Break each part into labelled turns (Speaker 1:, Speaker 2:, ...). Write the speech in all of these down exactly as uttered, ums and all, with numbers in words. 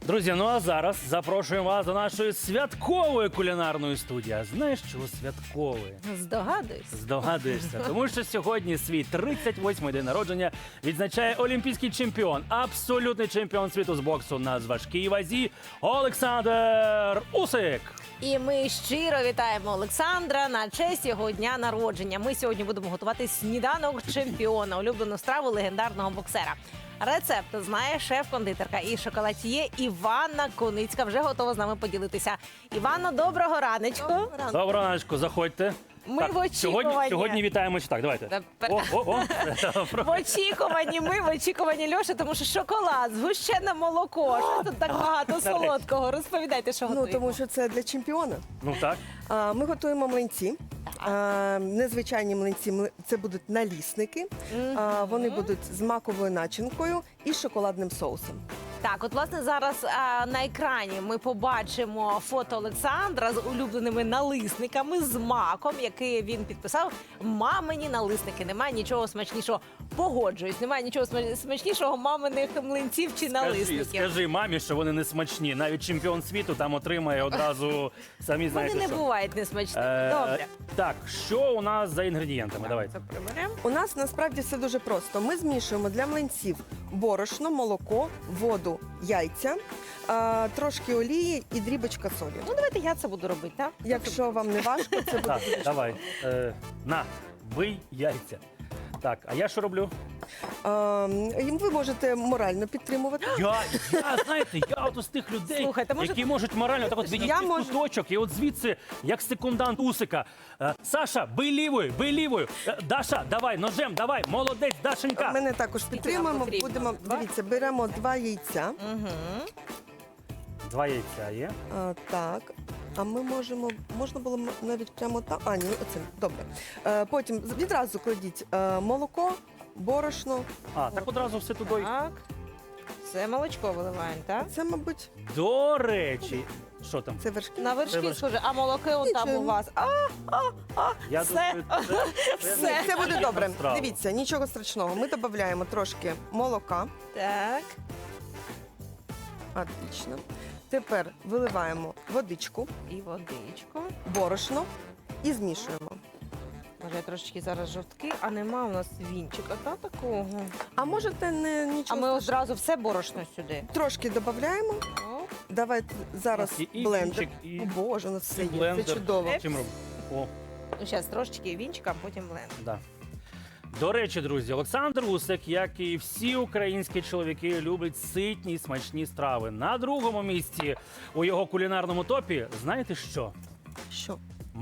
Speaker 1: Друзі, ну а зараз запрошуємо вас до нашої святкової кулінарної студії. А знаєш, чого святкової?
Speaker 2: Здогадуюсь.
Speaker 1: Здогадуєшся, тому що сьогодні свій тридцять восьмий день народження відзначає олімпійський чемпіон, абсолютний чемпіон світу з боксу на важкій вазі Олександр Усик.
Speaker 2: І ми щиро вітаємо Олександра на честь його дня народження. Ми сьогодні будемо готувати сніданок чемпіона, улюблену страву легендарного боксера. Рецепт знає шеф-кондитерка і шоколад'є Іванна Коницька. Вже готова з нами поділитися. Іванно, доброго раночку.
Speaker 1: Доброго раночку, заходьте.
Speaker 2: Ми в очікуванні.
Speaker 1: Сьогодні, сьогодні вітаємо. Так, давайте.
Speaker 2: Тепер-
Speaker 1: О, о, о.
Speaker 2: В очікуванні, ми в очікуванні Льоші, тому що шоколад, згущене молоко, що тут так багато солодкого. Розповідайте, що
Speaker 3: Ну,
Speaker 2: готуємо.
Speaker 3: тому що це для чемпіона.
Speaker 1: Ну так.
Speaker 3: А, Ми готуємо млинці. А, Незвичайні млинці, мли- це будуть налісники. А, Вони будуть з маковою начинкою і шоколадним соусом.
Speaker 2: Так, от власне зараз а, на екрані ми побачимо фото Олександра з улюбленими налисниками з маком, який він підписав. Мамині налисники. Немає нічого смачнішого. Погоджуюсь, немає нічого сма- смачнішого маминих млинців чи
Speaker 1: Скажи,
Speaker 2: налисників.
Speaker 1: скажи мамі, що вони не смачні. Навіть чемпіон світу там отримає одразу, самі знаєте,
Speaker 2: Вони не
Speaker 1: що.
Speaker 2: бувають несмачними.
Speaker 1: Е,
Speaker 2: Добре.
Speaker 1: Так, що у нас за інгредієнтами? Давайте.
Speaker 2: Це приберемо.
Speaker 3: У нас насправді все дуже просто. Ми змішуємо для млинців борошно, молоко, воду, яйця, а, трошки олії і дрібочка солі.
Speaker 2: Ну, давайте я це буду робити, так?
Speaker 3: Якщо вам не важко, це буде
Speaker 1: Так,
Speaker 3: дуже
Speaker 1: давай. Е, на, бий яйця. Так, а я що роблю?
Speaker 3: А, і ви можете морально підтримувати.
Speaker 1: Я, я знаєте, я от з тих людей,
Speaker 2: Слухайте, може-
Speaker 1: які можуть морально так от відійти
Speaker 3: Я
Speaker 1: в
Speaker 3: можу-
Speaker 1: куточок, і от звідси, як секундант Усика. Е, Саша, бий лівою, бий лівою. Е, Даша, давай, ножем, давай, молодець, Дашенька.
Speaker 3: Мене також
Speaker 2: Скільки нам
Speaker 3: підтримуємо.
Speaker 2: потрібно?
Speaker 3: Будемо
Speaker 2: Два?
Speaker 3: дивіться, беремо два яйця.
Speaker 2: Угу.
Speaker 1: Два яйця є.
Speaker 3: А, так. А ми можемо, можна було м- навіть прямо так. А, ні, оце, добре. Е, потім з- відразу кладіть е, молоко, борошно.
Speaker 1: А, так одразу все туди.
Speaker 2: Так. Це молочко виливаємо, так?
Speaker 3: Це, мабуть,
Speaker 1: До речі, що там?
Speaker 3: це вершки.
Speaker 2: На вершки
Speaker 1: вершки.
Speaker 2: схоже, а молоки он там
Speaker 3: Нічого.
Speaker 2: у вас. А, а, а,
Speaker 1: Я
Speaker 2: все.
Speaker 1: думаю, це, це,
Speaker 2: Все.
Speaker 3: Це буде добре.
Speaker 1: страва.
Speaker 3: Дивіться, нічого страшного. Ми додаємо трошки молока.
Speaker 2: Так.
Speaker 3: Отлично. Тепер виливаємо водичку,
Speaker 2: І водичку.
Speaker 3: борошно і змішуємо.
Speaker 2: Може, я трошечки зараз жовтки, а нема у нас вінчика, та такого.
Speaker 3: А можете не
Speaker 2: А
Speaker 3: нічого
Speaker 2: ми
Speaker 3: страшного.
Speaker 2: одразу все борошно сюди.
Speaker 3: Трошки додаємо.
Speaker 2: О,
Speaker 3: Давайте зараз
Speaker 1: І- і
Speaker 3: блендер.
Speaker 1: вінчик, і-
Speaker 3: О, Боже, у нас все
Speaker 1: і
Speaker 3: є.
Speaker 1: блендер.
Speaker 3: Це чудово.
Speaker 1: Чим робимо? О,
Speaker 2: ну, зараз трошечки вінчика, а потім блендер.
Speaker 1: да. До речі, друзі, Олександр Усик, як і всі українські чоловіки, любить ситні і смачні страви. На другому місці у його кулінарному топі, знаєте що?
Speaker 3: Що?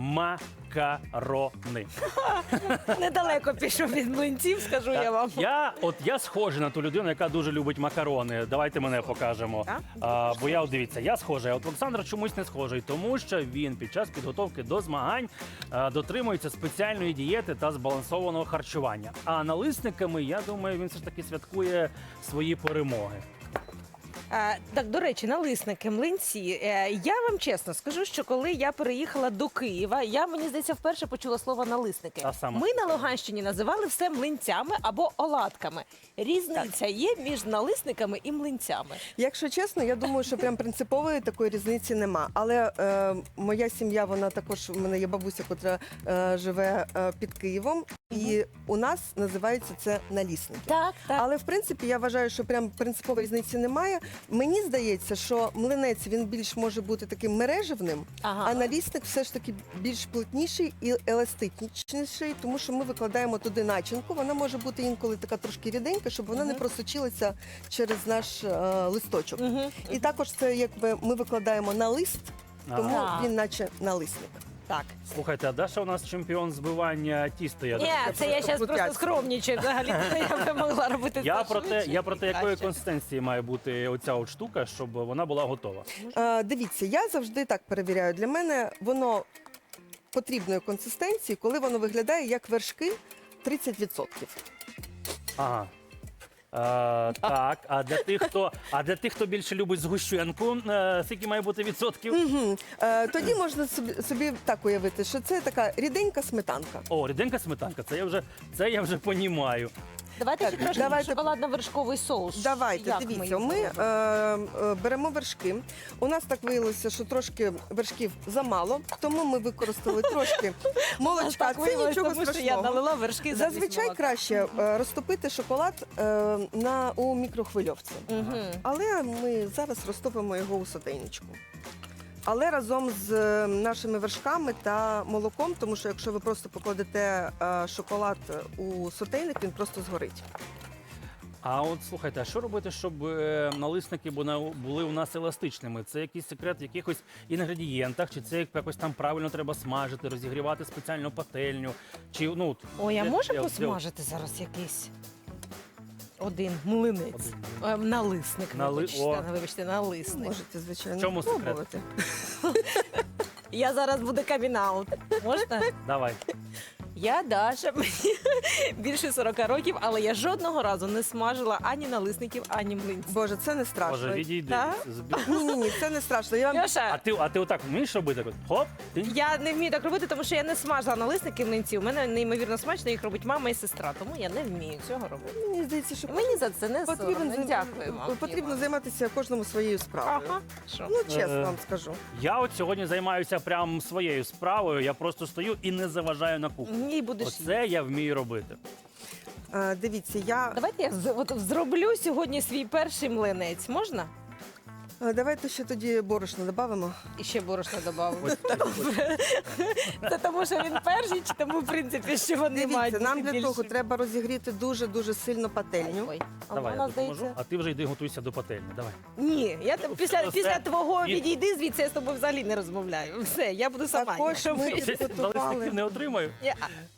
Speaker 1: Макарони.
Speaker 2: Недалеко пішов від млинців, скажу я вам.
Speaker 1: Я, от я схожий на ту людину, яка дуже любить макарони. Давайте мене покажемо.
Speaker 2: Так?
Speaker 1: А, бо я, от дивіться, я схожий, а от Олександр чомусь не схожий, тому що він під час підготовки до змагань а, дотримується спеціальної дієти та збалансованого харчування. А налисниками, я думаю, він все ж таки святкує свої перемоги.
Speaker 2: Е, так, до речі, налисники, млинці. Е, я вам чесно скажу, що коли я переїхала до Києва, я, мені здається, вперше почула слово налисники.
Speaker 1: А саме?
Speaker 2: Ми на Луганщині називали все млинцями або оладками. Різниця є між налисниками і млинцями.
Speaker 3: Якщо чесно, я думаю, що прям принципової такої різниці нема. Але е, моя сім'я, вона також, у мене є бабуся, яка е, живе е, під Києвом, і у нас називається це налісники.
Speaker 2: Так, так.
Speaker 3: Але в принципі я вважаю, що прям принципової різниці немає. Мені здається, що млинець він більш може бути таким мережевним,
Speaker 2: Ага.
Speaker 3: а налісник все ж таки більш плотніший і еластичніший, тому що ми викладаємо туди начинку. Вона може бути інколи така трошки ріденька, щоб вона не
Speaker 2: Мгм.
Speaker 3: просочилася через наш е, листочок.
Speaker 2: Мгм.
Speaker 3: І також це якби ми викладаємо на лист, тому
Speaker 2: Ага.
Speaker 3: він наче налисник.
Speaker 2: Так.
Speaker 1: Слухайте, а Даша у нас чемпіон збивання тіста. Я,
Speaker 2: Ні,
Speaker 1: так-
Speaker 2: це я зараз просто
Speaker 3: Крутяцька.
Speaker 2: скромнічаю. Взагалі я би могла робити
Speaker 1: я
Speaker 2: це
Speaker 1: про те,
Speaker 2: швидше
Speaker 1: я про те,
Speaker 2: і
Speaker 1: якої
Speaker 2: краще.
Speaker 1: консистенції має бути оця от штука, щоб вона була готова.
Speaker 3: Е, дивіться, я завжди так перевіряю. Для мене воно потрібної консистенції, коли воно виглядає як вершки тридцять відсотків.
Speaker 1: Ага. Е, так, а для тих, хто а для тих, хто більше любить згущенку, е, скільки має бути відсотків?
Speaker 3: Угу. Е, тоді можна собі, собі так уявити, що це така ріденька сметанка.
Speaker 1: О, ріденька сметанка, це я вже це я вже понімаю.
Speaker 2: Давайте
Speaker 3: Так,
Speaker 2: ще трошки
Speaker 3: давайте-
Speaker 2: шоколадно-вершковий соус.
Speaker 3: Давайте,
Speaker 2: Як
Speaker 3: дивіться,
Speaker 2: його
Speaker 3: ми е,
Speaker 2: робимо?
Speaker 3: е, беремо вершки. У нас так виявилося, що трошки вершків замало, тому ми використали трошки молочка.
Speaker 2: Так
Speaker 3: Це
Speaker 2: виявилось,
Speaker 3: нічого
Speaker 2: тому що я
Speaker 3: страшного.
Speaker 2: налила вершки замість
Speaker 3: Зазвичай
Speaker 2: молока.
Speaker 3: краще е, розтопити шоколад е, на, у мікрохвильовці.
Speaker 2: Мгм.
Speaker 3: Але ми зараз розтопимо його у сотейничку. Але разом з е, нашими вершками та молоком, тому що якщо ви просто покладете е, шоколад у сотейник, він просто згорить.
Speaker 1: А от слухайте, а що робити, щоб е, налисники були, були у нас еластичними? Це якийсь секрет в якихось інгредієнтах, чи це якось там правильно треба смажити, розігрівати спеціальну пательню? Чи ну от,
Speaker 2: Ой, а
Speaker 1: де-
Speaker 2: може
Speaker 1: де-
Speaker 2: посмажити зараз якийсь один млинець?
Speaker 1: Один.
Speaker 2: Е, Налисник,
Speaker 1: Нали-
Speaker 2: вибачте,
Speaker 1: О.
Speaker 2: вибачте, налисник.
Speaker 3: Можете, звичайно,
Speaker 1: В чому секрет?
Speaker 3: спробувати.
Speaker 2: Я зараз буду камінаут. Можна?
Speaker 1: Давай.
Speaker 2: Я Даша, мені більше сорока років, але я жодного разу не смажила ані налисників, ані млинців.
Speaker 3: Боже, це не страшно.
Speaker 1: Боже, відійди.
Speaker 2: Так?
Speaker 1: Збі-
Speaker 3: Ні, ні, ні, це не страшно. Я вам
Speaker 1: А
Speaker 2: Льоша,
Speaker 1: ти, а ти отак вмієш робити? Так от, Хоп, ти?
Speaker 2: я не вмію так робити, тому що я не смажила налисники млинці. У мене неймовірно смачно їх робить мама і сестра, тому я не вмію цього робити.
Speaker 3: мені здається, що
Speaker 2: І мені за це не
Speaker 3: потрібно,
Speaker 2: соромно.
Speaker 3: зай-
Speaker 2: Дякую вам.
Speaker 3: потрібно
Speaker 2: Іва.
Speaker 3: займатися кожному своєю справою.
Speaker 2: Ага, що?
Speaker 3: Ну, чесно
Speaker 1: Е,
Speaker 3: вам скажу.
Speaker 1: Я от сьогодні займаюся прям своєю справою. Я просто стою і не заважаю на кухні.
Speaker 2: Ні, будеш.
Speaker 1: Оце я вмію робити.
Speaker 3: Е, Дивіться, я
Speaker 2: Давайте я з- от зроблю сьогодні свій перший млинець. Можна?
Speaker 3: е, давайте ще тоді борошно додамо.
Speaker 2: І ще борошно додав.
Speaker 1: Ось,
Speaker 2: Добре. Це тому, що він перший, чи тому, в принципі, що вони мають
Speaker 3: Дивіться, нам
Speaker 2: бути
Speaker 3: для того
Speaker 2: більшими?
Speaker 3: треба розігріти дуже дуже сильно пательню.
Speaker 2: Ой, а
Speaker 1: Давай,
Speaker 2: вона,
Speaker 1: я допоможу,
Speaker 2: здається...
Speaker 1: а ти вже йди готуйся до пательні. Давай.
Speaker 2: Ні, я там після,
Speaker 1: Все.
Speaker 2: після твого
Speaker 1: І-
Speaker 2: відійди звідси, я з тобою взагалі не розмовляю. Все, я буду сама.
Speaker 3: Також
Speaker 2: якщо
Speaker 3: ми
Speaker 2: ви-
Speaker 3: підготували.
Speaker 1: Налисників не отримаю.
Speaker 2: Я-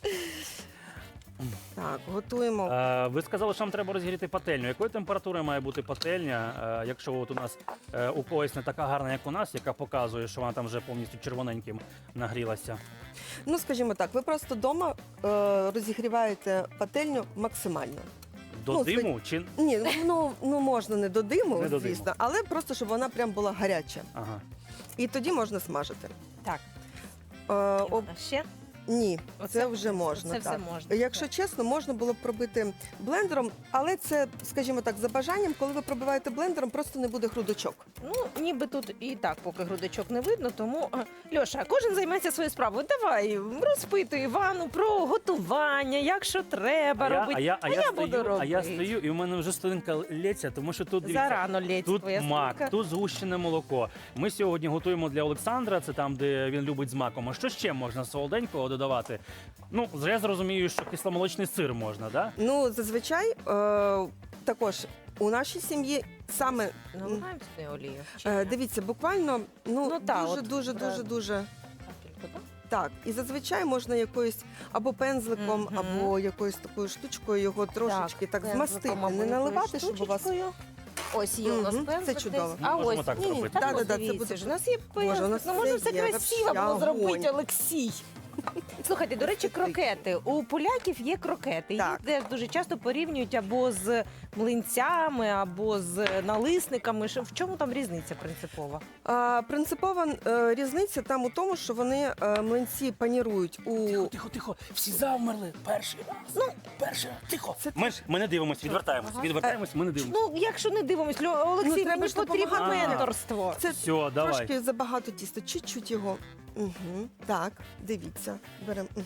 Speaker 3: Так, готуємо.
Speaker 1: Е, Ви сказали, що нам треба розігріти пательню. Якої температури має бути пательня, е, якщо от у нас е, у когось не така гарна, як у нас, яка показує, що вона там вже повністю червоненьким нагрілася?
Speaker 3: Ну, скажімо так, ви просто вдома е, розігріваєте пательню максимально.
Speaker 1: До
Speaker 3: Ну,
Speaker 1: диму чи
Speaker 3: Ні, ну, ну можна не до диму,
Speaker 1: Не до диму.
Speaker 3: звісно, але просто щоб вона прям була гаряча.
Speaker 1: ага.
Speaker 3: І тоді можна смажити.
Speaker 2: Так,
Speaker 3: Е, об...
Speaker 2: ще?
Speaker 3: Ні,
Speaker 2: Оце-
Speaker 3: це вже можна.
Speaker 2: Це все
Speaker 3: так.
Speaker 2: можна.
Speaker 3: Якщо чесно, можна було б пробити блендером, але це, скажімо так, за бажанням, коли ви пробиваєте блендером, просто не буде грудочок.
Speaker 2: Ну, ніби тут і так поки грудочок не видно, тому е, Льоша, кожен займається своєю справою. Давай, розпитуй Івану про готування, як що треба
Speaker 1: А я,
Speaker 2: робити.
Speaker 1: а, я, а, я
Speaker 2: буду
Speaker 1: стою, а я
Speaker 2: робити.
Speaker 1: стою, і в мене вже столинка лється, тому що тут дивіться,
Speaker 2: Зарано лється
Speaker 1: тут
Speaker 2: твоя
Speaker 1: мак,
Speaker 2: стілька.
Speaker 1: тут згущене молоко. Ми сьогодні готуємо для Олександра, це там, де він любить з маком. А що ще можна солоденького додавати? Ну, я зрозумію, що кисломолочний сир можна, да?
Speaker 3: Ну, зазвичай е, також у нашій сім'ї саме
Speaker 2: Наливаємо сюди олію. Чи
Speaker 3: е,
Speaker 2: ні?
Speaker 3: дивіться, буквально ну,
Speaker 2: Ну, та,
Speaker 3: дуже,
Speaker 2: от,
Speaker 3: дуже,
Speaker 2: правда.
Speaker 3: дуже, дуже.
Speaker 2: Капельку, так?
Speaker 3: Так, і зазвичай можна якоюсь або пензликом,
Speaker 2: Мгм.
Speaker 3: або якоюсь такою штучкою його трошечки так,
Speaker 2: пензликом
Speaker 3: змастити,
Speaker 2: або
Speaker 3: не
Speaker 2: якоюсь
Speaker 3: наливати, щоб у вас
Speaker 2: штучечкою. Ось є у нас
Speaker 3: Мгм, це
Speaker 2: пензлик
Speaker 3: чудово.
Speaker 2: десь. А
Speaker 1: Можемо
Speaker 2: ось
Speaker 1: так
Speaker 2: ні, ні,
Speaker 1: зробити.
Speaker 2: та
Speaker 3: Да, да, да, це
Speaker 2: дивіться
Speaker 3: буде-
Speaker 2: ж, у нас є
Speaker 3: Боже, у
Speaker 2: пензлик.
Speaker 3: нас
Speaker 2: Ну, можна
Speaker 3: все
Speaker 2: все
Speaker 3: є,
Speaker 2: красиво
Speaker 3: вообще
Speaker 2: було зробити,
Speaker 3: огонь.
Speaker 2: Олексій. Слухайте, до речі, крокети. У поляків є крокети.
Speaker 3: Так.
Speaker 2: Їх теж дуже часто порівнюють або з млинцями, або з налисниками. Що- В чому там різниця принципова?
Speaker 3: А, принципова е, різниця там у тому, що вони е, млинці панірують у
Speaker 1: Тихо, тихо, всі завмерли. Перший раз. Ну, перший раз. Тихо.
Speaker 3: Це
Speaker 1: Ми ж ми не дивимося, відвертаємось.
Speaker 2: Ага.
Speaker 1: Відвертаємось, ми не дивимося.
Speaker 2: Ну, якщо не дивимось, Льо- Олексій,
Speaker 3: Ну, треба
Speaker 2: мені
Speaker 3: ж
Speaker 2: потрібно
Speaker 3: допомагати.
Speaker 2: менторство.
Speaker 3: це
Speaker 1: Все, давай.
Speaker 3: трошки забагато тіста, чуть-чуть його. Угу. Так, дивіться, беремо. Мгм.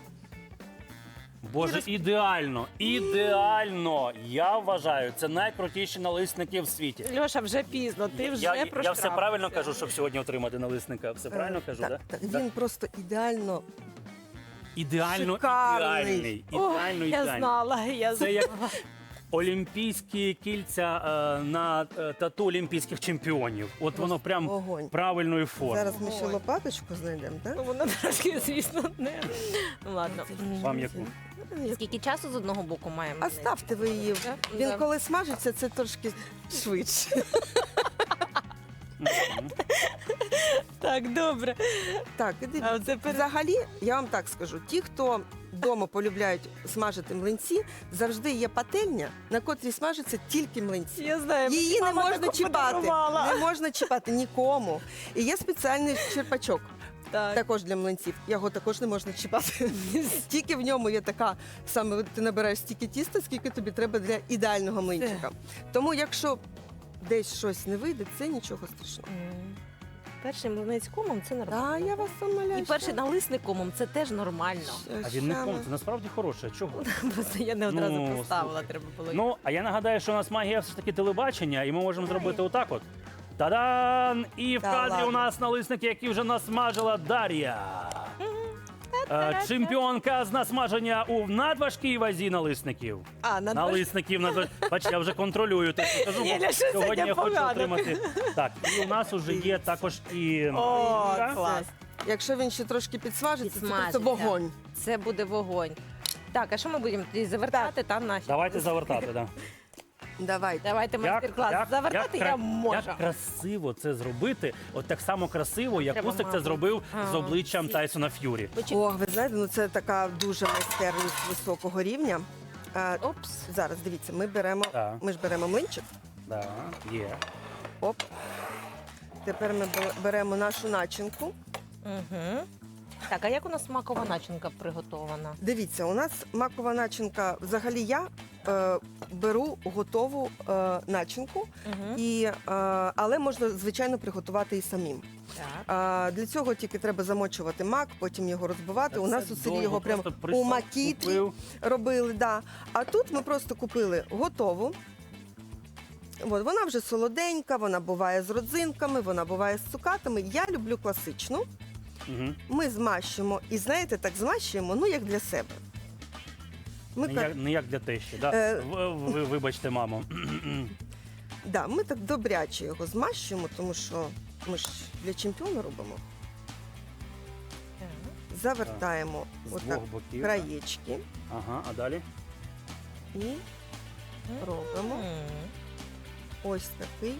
Speaker 1: Боже, ідеально, ідеально. Я вважаю, це найкрутіші налисники в світі.
Speaker 2: Льоша, вже пізно, ти вже
Speaker 1: я, я
Speaker 2: проштрафився.
Speaker 1: все правильно кажу, щоб сьогодні отримати налисника. Все правильно
Speaker 3: Е,
Speaker 1: кажу,
Speaker 3: так,
Speaker 1: да?
Speaker 3: так,
Speaker 1: Так?
Speaker 3: він просто ідеально.
Speaker 1: Ідеально,
Speaker 3: Шикарний.
Speaker 1: ідеальний.
Speaker 2: Ох,
Speaker 1: Ідеально,
Speaker 2: я
Speaker 1: ідеально.
Speaker 2: знала, я
Speaker 1: Це
Speaker 2: знала.
Speaker 1: як олімпійські кільця е, на е, тату олімпійських чемпіонів. От воно прям
Speaker 3: Огонь.
Speaker 1: правильної форми.
Speaker 3: Зараз ми ще
Speaker 2: Ой.
Speaker 3: лопаточку знайдемо, так?
Speaker 2: Ну, Воно трошки, звісно, не. Ну ладно.
Speaker 1: Вам яку?
Speaker 2: Скільки часу з одного боку маємо?
Speaker 3: А ставте ви її.
Speaker 2: Да?
Speaker 3: Він
Speaker 2: Да.
Speaker 3: коли смажиться, це трошки швидше.
Speaker 1: Мгм.
Speaker 2: Так, добре.
Speaker 3: Так, і
Speaker 2: А
Speaker 3: дивіться.
Speaker 2: оце перед...
Speaker 3: Взагалі, я вам так скажу: ті, хто вдома полюбляють смажити млинці, завжди є пательня, на котрій смажаться тільки млинці.
Speaker 2: Я знаю,
Speaker 3: Її не
Speaker 2: мама
Speaker 3: можна
Speaker 2: таку
Speaker 3: чіпати.
Speaker 2: подарувала.
Speaker 3: Не можна чіпати нікому. І є спеціальний черпачок.
Speaker 2: Так.
Speaker 3: Також для млинців. Його також не можна чіпати. Тільки в ньому є така саме ти набираєш стільки тіста, скільки тобі треба для ідеального млинчика. Тому якщо десь щось не вийде, це нічого страшного.
Speaker 2: М. Перший млинець комом це нормально.
Speaker 3: А я вас умоляю.
Speaker 2: І перший налисник комом це теж нормально.
Speaker 1: А він не ком, це насправді хороше. Чого?
Speaker 2: Просто я не одразу
Speaker 1: Ну,
Speaker 2: поставила,
Speaker 1: слухай.
Speaker 2: треба було.
Speaker 1: Ну, а я нагадаю, що у нас магія все ж таки телебачення, і ми можемо зробити отак от. Та-дан! І в
Speaker 3: Та
Speaker 1: кадрі
Speaker 3: ладно.
Speaker 1: у нас налисники, які вже насмажила Дар'я. Е, Чемпіонка з насмаження у надважкій вазі налисників.
Speaker 2: А, на
Speaker 1: Налисників надваж... Бач, я вже контролюю те, що кажу,
Speaker 2: Ні,
Speaker 1: бо
Speaker 2: Ляша, це
Speaker 1: сьогодні я хочу
Speaker 2: непогано.
Speaker 1: отримати. Так, і у нас уже є також і
Speaker 2: О,
Speaker 1: Так?
Speaker 2: клас.
Speaker 3: Якщо він ще трошки підсмажиться, це
Speaker 2: Підсмажиться.
Speaker 3: просто вогонь.
Speaker 2: Це буде вогонь. Так, а що ми будемо тоді завертати там наші?
Speaker 1: Давайте завертати, да.
Speaker 3: Давайте.
Speaker 2: Давайте майстер-клас. Завертати
Speaker 1: як,
Speaker 2: я
Speaker 1: кра-
Speaker 2: можу.
Speaker 1: Як красиво це зробити, от так само красиво, як
Speaker 2: Треба
Speaker 1: Усик це
Speaker 2: мало.
Speaker 1: зробив з
Speaker 2: А,
Speaker 1: обличчям
Speaker 2: всі.
Speaker 1: Тайсона Ф'юрі.
Speaker 2: Почек-
Speaker 3: О, ви знаєте, ну це така дуже майстерність високого рівня. А,
Speaker 2: Опс.
Speaker 3: зараз дивіться, ми беремо,
Speaker 1: Так.
Speaker 3: ми ж беремо млинчик.
Speaker 1: Да, є.
Speaker 3: Оп. Тепер ми бе- беремо нашу начинку.
Speaker 2: Угу. Так, а як у нас макова начинка приготована?
Speaker 3: Дивіться, у нас макова начинка. Взагалі я е, беру готову е, начинку,
Speaker 2: Угу.
Speaker 3: і, е, але можна звичайно приготувати і самим.
Speaker 2: Так.
Speaker 3: А, для цього тільки треба замочувати мак, потім його розбивати. У нас
Speaker 1: Це
Speaker 3: у селі
Speaker 1: довго,
Speaker 3: його прямо
Speaker 1: просто
Speaker 3: у
Speaker 1: прийшов,
Speaker 3: макітрі
Speaker 1: купив.
Speaker 3: робили. Да. А тут ми просто купили готову. От, вона вже солоденька, вона буває з родзинками, вона буває з цукатами. Я люблю класичну.
Speaker 1: Угу.
Speaker 3: Ми змащуємо, і знаєте, так змащуємо, ну як для себе. Ми
Speaker 1: Не,
Speaker 3: так,
Speaker 1: як, не як для тещі, да?
Speaker 3: Е.
Speaker 1: В- ви, вибачте, мамо.
Speaker 3: да, ми так добряче його змащуємо, тому що ми ж для чемпіона робимо. Завертаємо
Speaker 1: З
Speaker 3: отак
Speaker 1: двох боків.
Speaker 3: краєчки
Speaker 1: Ага, а далі?
Speaker 3: і робимо
Speaker 2: М.
Speaker 3: ось такий.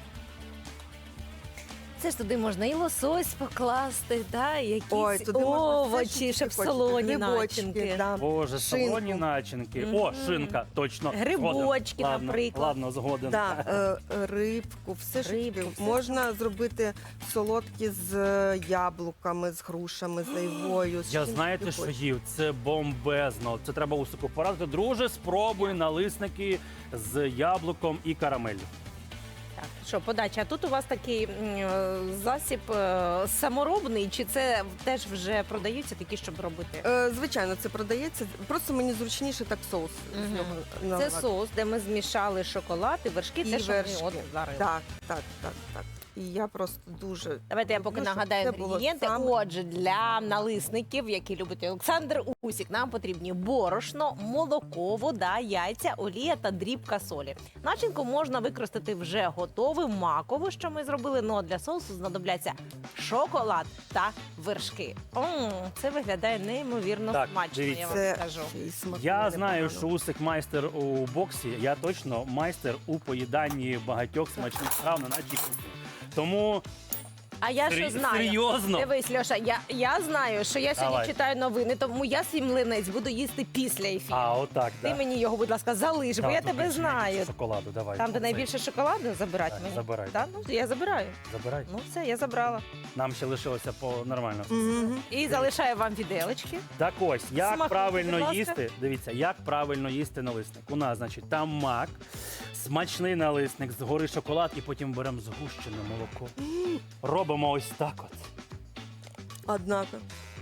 Speaker 2: Це ж туди можна і лосось покласти, да, і якісь
Speaker 3: Ой, туди можна все,
Speaker 2: овочі,
Speaker 3: що
Speaker 2: щоб
Speaker 3: ти хочеш.
Speaker 2: солоні
Speaker 3: Грибочки,
Speaker 2: начинки.
Speaker 3: да.
Speaker 1: Боже,
Speaker 3: Шинку.
Speaker 1: салоні начинки. О,
Speaker 2: Мгм.
Speaker 1: шинка, точно.
Speaker 2: Грибочки,
Speaker 1: Згоден. Ладно,
Speaker 2: наприклад.
Speaker 1: Ладно, згоден.
Speaker 3: Да, е, рибку, все ж
Speaker 2: Рибку,
Speaker 3: таки.
Speaker 2: все.
Speaker 3: Можна зробити солодкі з е, яблуками, з грушами, з айвою. з
Speaker 1: Я
Speaker 3: чим
Speaker 1: знаєте,
Speaker 3: ти
Speaker 1: що
Speaker 3: хочеш.
Speaker 1: їв? Це бомбезно. Це треба Усику порадити. Друже, спробуй налисники з яблуком і карамеллю.
Speaker 2: Так, що, подача, а тут у вас такий м, е, засіб е, саморобний, чи це теж вже продаються такі, щоб робити?
Speaker 3: Е, Звичайно, це продається. Просто мені зручніше так соус з
Speaker 2: Мгм.
Speaker 3: нього
Speaker 2: Це
Speaker 3: наливати.
Speaker 2: соус, де ми змішали шоколад і вершки,
Speaker 3: І
Speaker 2: те, що
Speaker 3: вершки.
Speaker 2: ми от варили.
Speaker 3: Так, так, так, так. І я просто дуже
Speaker 2: Давайте я поки
Speaker 3: люблю, щоб
Speaker 2: нагадаю
Speaker 3: це було
Speaker 2: інгредієнти.
Speaker 3: саме-
Speaker 2: Отже, для налисників, які любить Олександр Усік, нам потрібні борошно, молоко, вода, яйця, олія та дрібка солі. Начинку можна використати вже готову, макову, що ми зробили. Ну а для соусу знадобляться шоколад та вершки. М, це виглядає неймовірно
Speaker 1: Так,
Speaker 2: смачно,
Speaker 1: дивіться.
Speaker 2: я вам
Speaker 3: Це
Speaker 2: скажу.
Speaker 3: ще й смакує
Speaker 1: Я знаю,
Speaker 3: непогано.
Speaker 1: що Усик майстер у боксі. Я точно майстер у поїданні багатьох смачних страв на нашій кухні. Тому
Speaker 2: А я що
Speaker 1: сер-
Speaker 2: знаю?
Speaker 1: серйозно.
Speaker 2: Дивись, Льоша, я, я знаю, що я сьогодні
Speaker 1: Давай.
Speaker 2: читаю новини, тому я свій млинець буду їсти після ефіру.
Speaker 1: А, отак,
Speaker 2: Ти
Speaker 1: да.
Speaker 2: мені його, будь ласка, залиш, бо
Speaker 1: Так,
Speaker 2: я
Speaker 1: тут
Speaker 2: тебе
Speaker 1: більше
Speaker 2: знаю.
Speaker 1: Шоколаду, давай.
Speaker 2: Там, де
Speaker 1: Оцей.
Speaker 2: найбільше шоколаду, забирати
Speaker 1: Так,
Speaker 2: мені.
Speaker 1: забирай.
Speaker 2: Так, ну я забираю.
Speaker 1: Забирай.
Speaker 2: Ну все, я забрала.
Speaker 1: Нам ще лишилося по нормально.
Speaker 3: Мгм.
Speaker 2: І залишаю вам віделочки.
Speaker 1: Так ось, як
Speaker 2: Смакуйте, будь
Speaker 1: правильно
Speaker 2: ласка.
Speaker 1: їсти, дивіться, як правильно їсти налисник. У нас, значить, там мак, смачний налисник, згори шоколад і потім беремо згущене молоко. Робимо ось так от.
Speaker 3: Однако.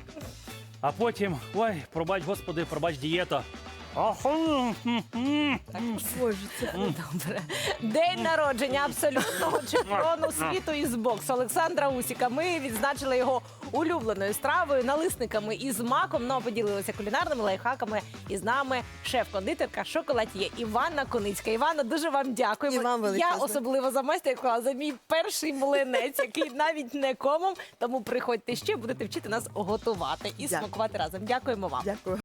Speaker 1: А потім, ой, пробач, господи, пробач дієта. Аху, м, м,
Speaker 2: Так,
Speaker 1: м.
Speaker 3: Боже, це
Speaker 2: добре. День народження абсолютного чемпіону світу із боксу Олександра Усіка. Ми відзначили його улюбленою стравою, налисниками із маком. Ну, а поділилися кулінарними лайфхаками. І з нами шеф-кондитерка шоколад'є Іванна Коницька. Іванна, дуже вам дякуємо.
Speaker 3: І вам
Speaker 2: Я
Speaker 3: величезне.
Speaker 2: особливо за майстер-клас, за мій перший млинець, який навіть не комом. Тому приходьте ще, будете вчити нас готувати і
Speaker 3: Дякую.
Speaker 2: смакувати разом. Дякуємо вам.
Speaker 3: дякую.